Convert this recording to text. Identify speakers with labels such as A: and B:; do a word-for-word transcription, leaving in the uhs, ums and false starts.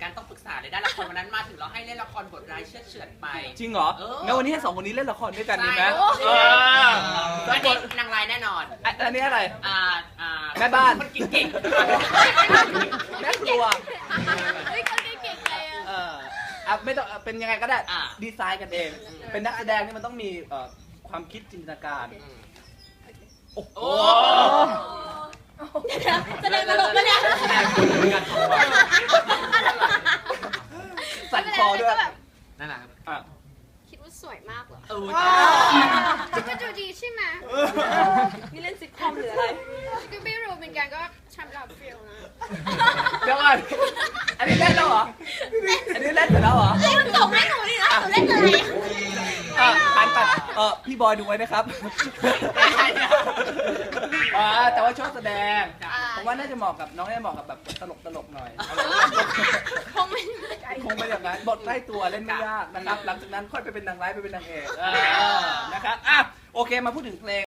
A: กันต้องปรึกษาเลยได้ละครวันนั้นมาถึงเราให้เล่นละครบทร้ายเชือดเฉือนไป
B: จริงเหรอ
A: เออ
B: งั้นวันนี้ให้สองคนนี้เล่นละครด้วยกันดีไหม
A: ใช่
B: เออ
A: อันนี้นางร้ายแน่นอน
B: อ่ะอันนี้อะไร
A: อ่าอ่า
B: แม่บ้าน
A: คนกินเก่ง
B: แม่ครัว
C: เฮ้ยคนเก่งๆเลยอะ
B: เอออ่ะไม่ต้องเป็นยังไงก็ได้
A: อ่ะ
B: ดีไซน์กันเอง เป็นนักแสดงนี่มันต้องมีเอ่อความคิดจินตนาการ โอ้โห
C: แสดงตลกปะเนี่ย
B: สั่นคอด้วย
A: นั่นแหละครับ
B: อ่ะ
C: คิดว่าสวยมากเหรอ
A: เออ
C: จะก็ดูดีใช่ไหม
D: นี่เล่นซิทคอมหรืออะไร
C: ก็ไม่รู้เหมือนกันก็ชำรับฟิลนะ
B: เดี๋ยวก่อนอันนี้เล่นแล้วเหรอ อันนี้เล่นเสร็จแล้วเหรอ
C: เล่นส่งให้หนูดินะหนูเล่นอะไร
B: อ่ะหันไปเออพี่บอยดูไว้นะครับอ่าแต่ว่าชอบแสดง ผมว่าน่าจะเหมาะกับน้องน่าจะเหมาะกับแบบตลกตลกๆหน่อยอะไรอย่างเงี้ย
C: คงไม่
B: คงเป็นอย่างนั้นบทใกล้ตัวเล่นไม่ยากนะครับ หลังจากนั้นค่อยไปเป็นนางร้ายไปเป็นนางเอกเออนะครับอ่ะโอเคมาพูดถึงเพลง